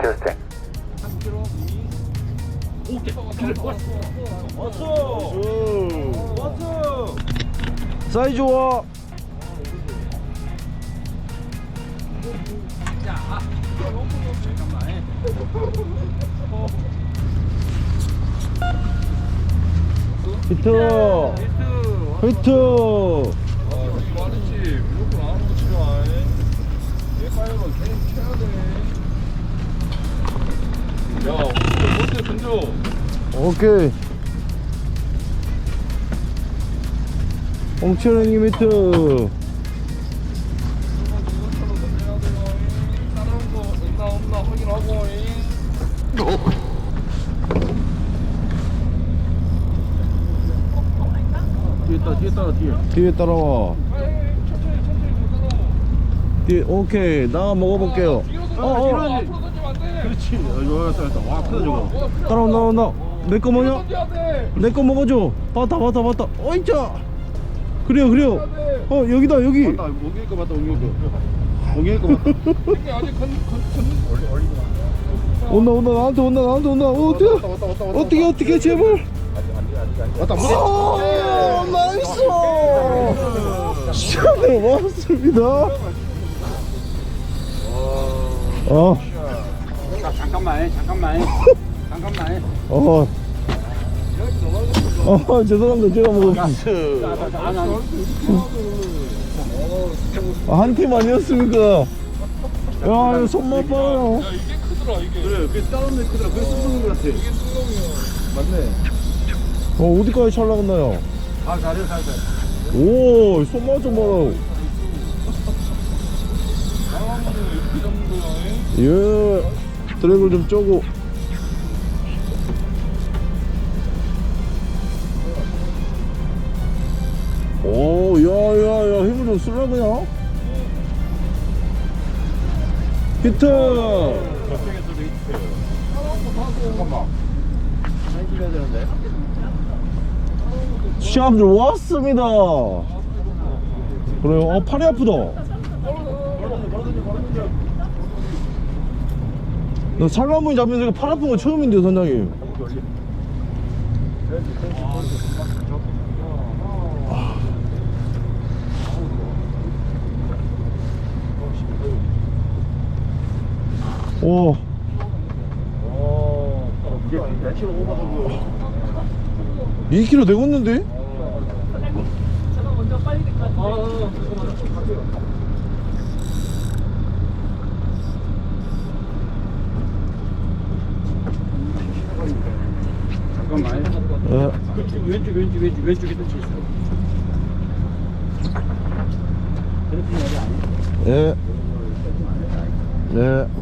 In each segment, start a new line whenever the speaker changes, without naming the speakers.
캐스팅.
3kg 오케이. 왔어. 왔어.
사이즈 좋아.
자, 잠깐만.
히트. 히트.
여기 말했지. 무조건 안 오고 치라. 얘 파이어가 계속 쳐야 돼. 야, 먼저 던져.
오케이. 홍철 형님 히트.
이것처럼 던져야 돼요. 따라온 거 있나 없나 확인하고.
뒤에 따라와.
천천히 따라와.
뒤에 오케이. 나 먹어볼게요.
앞으로 던지면 안 돼.
그렇지. 이거 와 크다 저거.
따라온다. 내 거 뭐냐?
던져야 돼.
내 거 먹어줘. 봤다. 어이자. 그래요. 여기다 여기.
맞다. 옮길 거 맞다. 옮길 거 맞다.
이게 아직
온다. 나한테 온다. 어떻게 제발.
왔다.
나이스. 시간을 왔습니다.
잠깐만.
죄송합니다. 제가 먹었습니다. 한 팀 아니었습니까? 야, 이거 손맛 봐요.
야, 이게 크더라 이게.
그래. 그게 다른 애 크더라. 그게 쓰는 거 같아.
이게 승동이야.
맞네.
어디까지 잘 나갔나요?
잘해.
오, 손맛 좀 봐라.
나가면 이렇게 잡는 거야.
예, 드래그를 좀 쪼고. 오, 야, 힘을 좀 쓰려 그냥. 히트.
저쪽에서도 히트. 잠깐만. 사진 찍어야 되는데.
시합들 왔습니다. 그래요. 팔이 아프다. 나 살라문이 잡면서 팔 아픈 거 처음인데요, 선장님. 오.
이게 며칠 오버 정도.
2kg 되겠는데?
잠깐만. 왼쪽에 touch 있어. 그래픽 여기 아니야?
예. 네.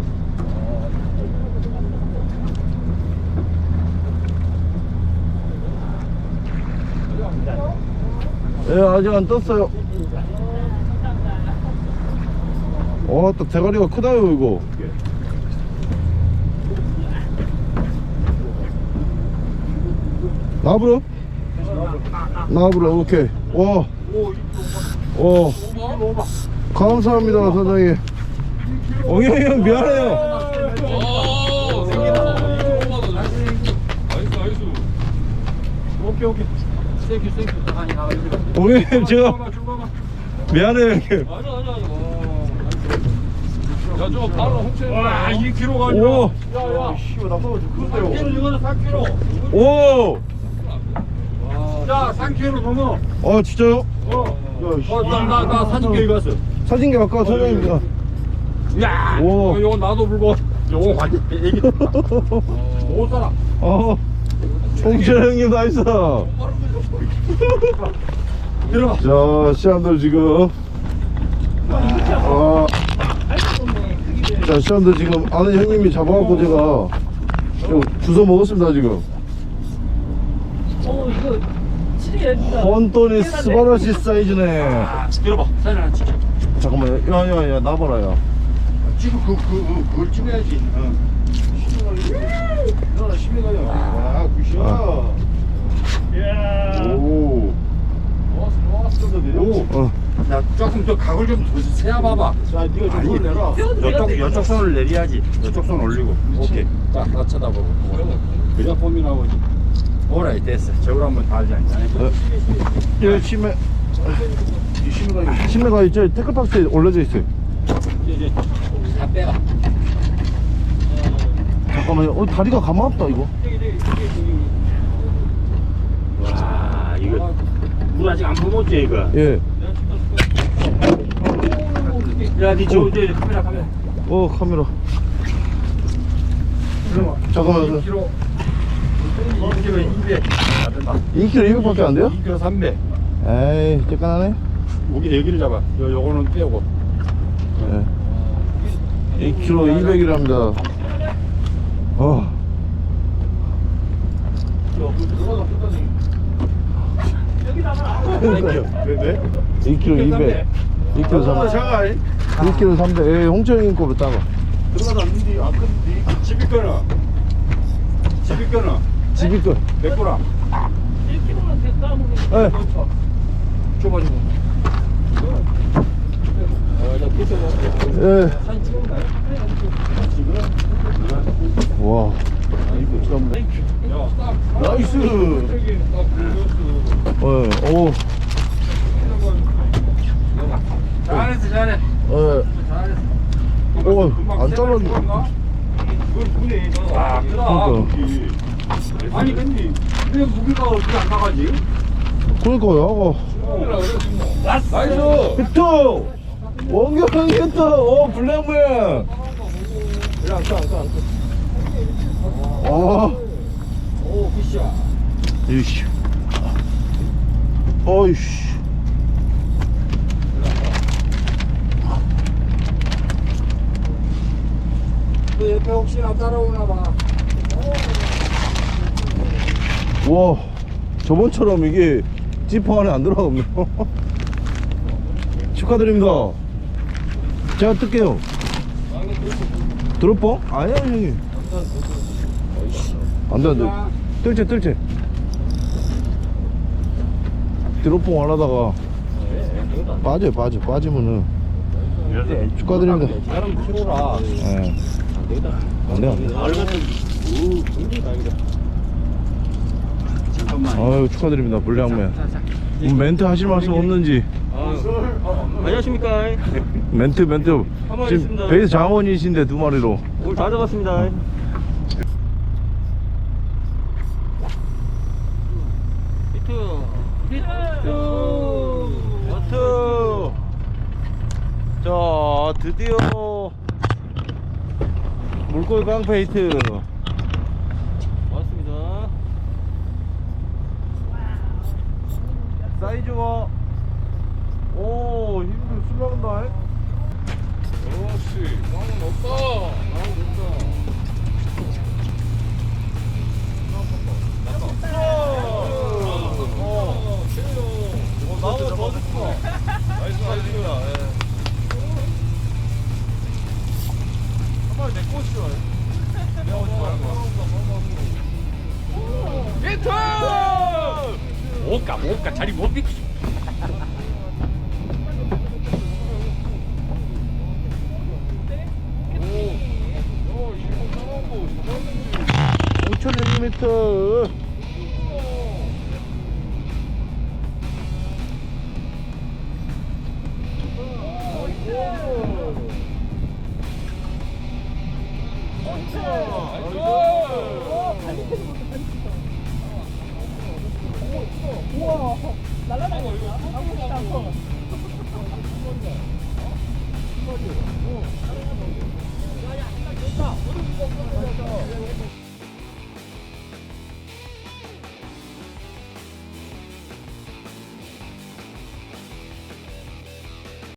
예, 아직 안 떴어요. 와, 또 대가리가 크다요, 이거. 나브로, 오케이. 와, 감사합니다, 사장님. 엉영이 형, 미안해요.
오케이. 땡큐. 아니 나 이거.
엉영이 형, 제가 미안해요, 형님.
아니. 야, 저 바로 홍채. 와, 2kg가
오,
아니라. 야.
씨발 나 먹어줘. 그런데요.
이거는 4kg.
오.
야, 3kg 넘어.
진짜요?
나 사진 기획 왔어.
사진기 아까 사장님입니다.
야,
오.
이거 나도 불고. 요거 완전 애기. 못 살아.
홍철 형님 나이스.
들어가.
자, 시험들 지금. 자, 시험들 지금 아는 형님이 잡아갖고 제가 좀 주워 먹었습니다 지금.
이거 치리야.
혼돈이 스바라시 사이즈네.
들어봐. 사진 하나 찍자.
잠깐만, 야, 나봐라, 야.
지금 그걸 찍어야지. 너 심해 가요. 아, 굿이야.
야.
오.
좋았어.
오.
자, 조금 더 각을 좀 세야 봐봐.
자, 네가 좀 손을 내라.
이쪽 손을 내려야지. 이쪽 손 올리고. 오케이. 딱 나 쳐다보고. 그래야 폼이 나오지. 오라이 됐어. 저걸 한번 달자.
예, 심해.
이 심해가
심해가 이제 태클박스에 올려져 있어요.
이제 다 빼라.
잠깐만요. 다리가 가만 없다 이거.
와, 이거 물 아직 안 퍼먹었지 이거.
예.
야, 니저 카메라.
카메라. 잠깐만.
2kg. 2kg 200.
2kg 200밖에 안 돼요?
2kg 300.
에이, 쬐깐하네.
여기를 잡아. 요거는 빼고.
예. 2kg 200이랍니다.
왜?
2kg 200. 2kg 300. 2kg 300. 예, 홍철님 거로 따가.
들어가도 안 된디, 안 큰디.
집이 거나. 집이 거나.
집이 거.
100g.
1kg만 됐다 먹는
예.
줘봐주고.
예.
사진 찍은가요?
와.
나이스.
예. 오.
잘했어, 잘해.
예.
잘했어.
오, 안 잘랐네.
그걸 보내. 아,
그러니까.
아니, 근데 왜 무게가 어떻게 안 나가지?
그러니까요.
나이스!
히트! 원경 히트! 오, 블랙맨!
오, 굿샷.
이씨. 어이씨.
그 옆에 혹시나 따라오나 봐.
와, 저번처럼 이게 지퍼 안에 안 들어가네요. 축하드립니다. 제가 뜰게요. 드롭봉? 아니야, 형님. 안 돼, 안 돼. 뜰채. 드롭봉 안 하다가 빠지면은. 축하드립니다.
사람 키로라.
예. 안 돼.
잠깐만.
아유, 축하드립니다, 불량맨. 멘트 하실 말씀 없는지.
안녕하십니까.
멘트. 지금
있습니다.
베이스 장원이신데 두 마리로.
오늘 다 잡았습니다.
히트. 자, 드디어 물고기 깡패 히트.
고맙습니다.
사이즈가 힘도 술 나간다.
그렇지. 나는 없다.
나무 더 좋고. 나이스. 한 마리 내 꽃이요. 내가 오지 말고.
히트! 못 가. 자리 못 비키.
오, 5,000mm.
우와, 날라다닌다. 야, 야, 좋다.